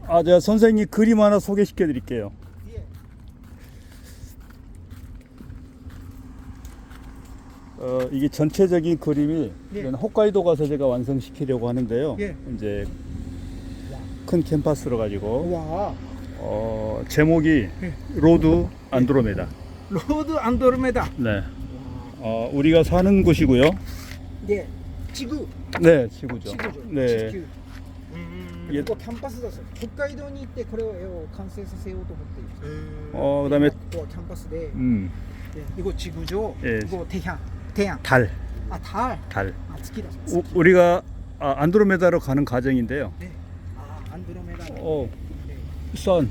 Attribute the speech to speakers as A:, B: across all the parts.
A: 제가 선생님 그림 하나 소개시켜 드릴게요.
B: 예.
A: 이게 전체적인 그림이
B: 예.
A: 이건 홋카이도 가서 제가 완성시키려고 하는데요.
B: 예.
A: 이제 큰 캔버스로 가지고
B: 와.
A: 제목이
B: 예.
A: 로드 안드로메다.
B: 로드 안드로메다.
A: 네. 우리가 사는 곳이고요.
B: 네. 지구.
A: 네, 지구죠.
B: 지구죠.
A: 네.
B: 지구.
A: 예.
B: 이거 캠퍼스だそう。北海道に行ってこれを完成させようと思っている。
A: 그다음에
B: 또 캠퍼스인데 이거 지구죠.
A: 예.
B: 이거 태양.
A: 달.
B: 달.
A: 달.
B: 月だ.
A: 우리가 안드로메다로 가는 과정인데요.
B: 네. 안드로메다. 네.
A: 선.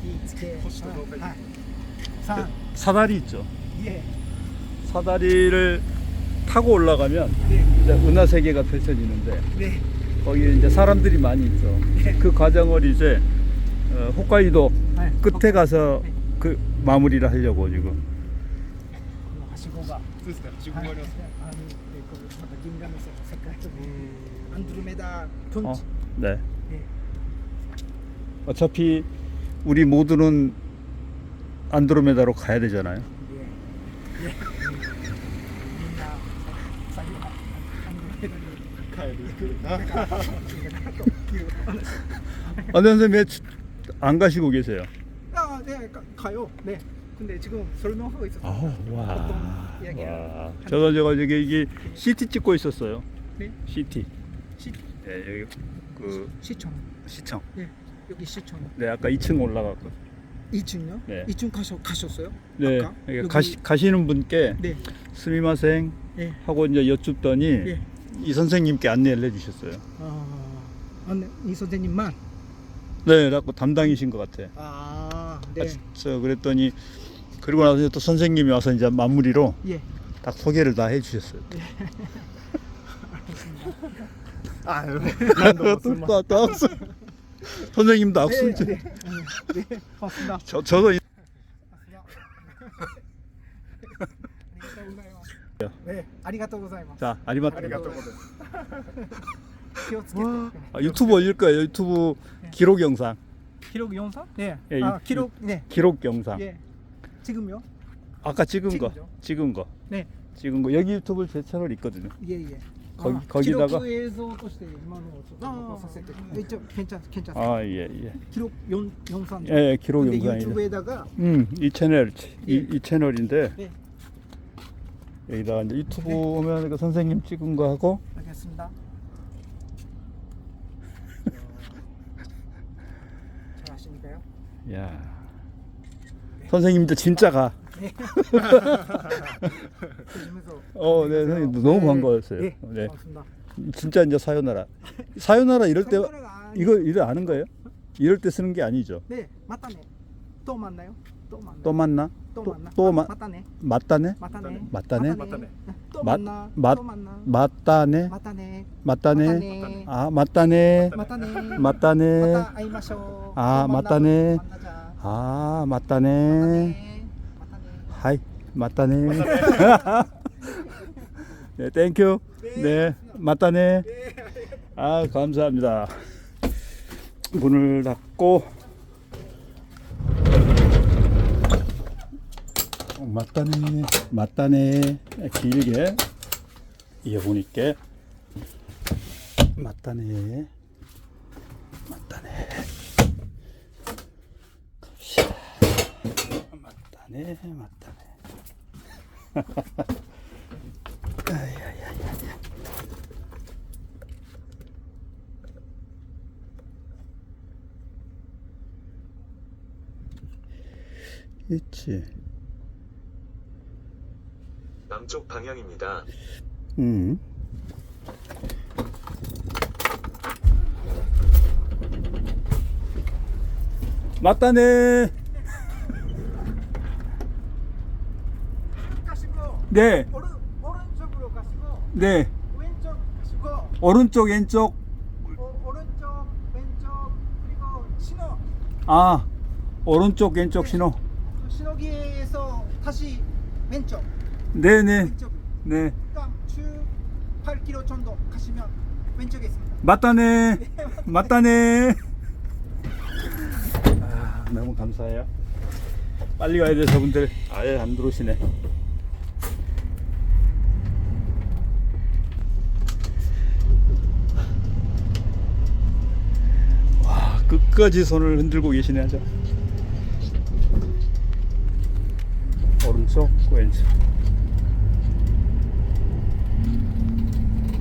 B: 산.
A: 사다리 있죠.
B: 예.
A: 사다리를 타고 올라가면
B: 네.
A: 이제 은하세계가 펼쳐지는데
B: 네.
A: 거기 이제 사람들이 많이 있죠.
B: 네.
A: 그 과정을 이제 홋카이도
B: 네.
A: 끝에 가서
B: 네.
A: 그 마무리를 하려고 지금.
B: はしごが。
C: そうですね、はしごがありますね。
B: また銀河の世界とアンドロメダ경치.
A: 네.
B: 네.
A: 어차피 우리 모두는 안드로메다로 가야 되잖아요.
B: 예. 예. 민나 사기 안드로메다니
A: 帰る. 선생님 왜 안 가시고 계세요?
B: 네, 가요. 네. 근데 지금 설명하고 있었어요.
A: 와.
B: 이야기를
A: 제가 이게 CT 찍고 있었어요.
B: 네?
A: CT.
B: 시,
A: 네, 여기 그
B: 시청.
A: 시청.
B: 네. 여기 시청.
A: 네, 아까 2층 올라갔고.
B: 2층요?
A: 네.
B: 2층 가셨어요?
A: 네.
B: 아까?
A: 여기
B: 여기-
A: 가시는 분께
B: 네.
A: 스미마생
B: 네.
A: 하고 이제 여쭙더니
B: 예.
A: 이 선생님께 안내를 해주셨어요.
B: 이 선생님만.
A: 네, 그래갖고 담당이신 것 같아.
B: 네.
A: 그랬더니 그리고 나서 또 선생님이 와서 이제 마무리로
B: 예.
A: 딱 소개를 다 해주셨어요. 또 악수. 선생님도 악수.
B: 네. 네. 고맙습니다.
A: 저도
B: 네. ありがとうございます.
A: 자 아리마토.
C: ありがとうございます。
B: 気をつけて.
A: 유튜브 올릴 거예요. 유튜브 기록 영상.
B: 기록 영상? 네.
A: 예,
B: 기록. 네.
A: 기록 영상.
B: 예. 지금요?
A: 아까 찍은
B: 지금요?
A: 거.
B: 네.
A: 찍은 거. 여기 유튜브 제 채널 있거든요.
B: 예, 예.
A: 거기다가
B: 기록映像として今のをちょっと残させて. 이쪽 괜찮습니다.
A: 예.
B: 기록 영상.
A: 예, 기록
B: 근데
A: 영상이요.
B: 유튜브에다가
A: 이 채널
B: 예.
A: 이 채널인데
B: 네.
A: 여기다가 이제 유튜브 오면 그 선생님 찍은 거 하고
B: 알겠습니다. 잘 하시니까요.
A: 야. 선생님도 진짜 가.
B: 조심해서.
A: 네, 선생님 너무 반가웠어요.
B: 네.
A: 네.
B: 고맙습니다.
A: 진짜 이제 사요나라 이럴 때
B: 사요나라가 아니-
A: 이거 아는 거예요? 이럴 때 쓰는 게 아니죠.
B: 네, 맞다네. 또 만나요?
A: 또 만나?
B: 또 만나.
A: 또
B: 맞다네.
A: 맞다네?
B: 맞다네.
A: 맞다네?
C: 맞다네.
B: 또
A: 맞-
B: 만나.
A: 맞-
B: 또 만나.
A: 맞다네?
B: 맞다네.
A: 맞다네? 아, 맞다네?
B: 맞다네.
A: 맞다네?
B: 맞다会いましょう.
A: 아,
B: 또 만나.
A: 맞다네.
B: 만나자.
A: 아, 맞다네.
B: 맞다네. 맞다네.
A: 하이, 맞다네. 네, 땡큐. 네, 맞다네. 아, 감사합니다. 문을 닫고 맞다네. 길게 이어폰 있게 맞다네. 갑시다. 맞다네. 아야야야야. 있지.
D: 남쪽 방향입니다.
A: 맞다네.
B: 가시고
A: 네,
B: 오른쪽으로 가시고
A: 네.
B: 왼쪽 가시고
A: 오른쪽, 왼쪽.
B: 오른쪽 왼쪽 그리고 신호.
A: 오른쪽, 왼쪽 신호.
B: 신호기에서 다시 왼쪽.
A: 네네.
B: 왼쪽.
A: 네.
B: 그다음 쭉 8km 정도 가시면 왼쪽에 있습니다.
A: 맞다네. 너무 감사해요. 빨리 가야 돼. 저분들 아예 안 들어오시네. 와, 끝까지 손을 흔들고 계시네. 아주 오른쪽 왼쪽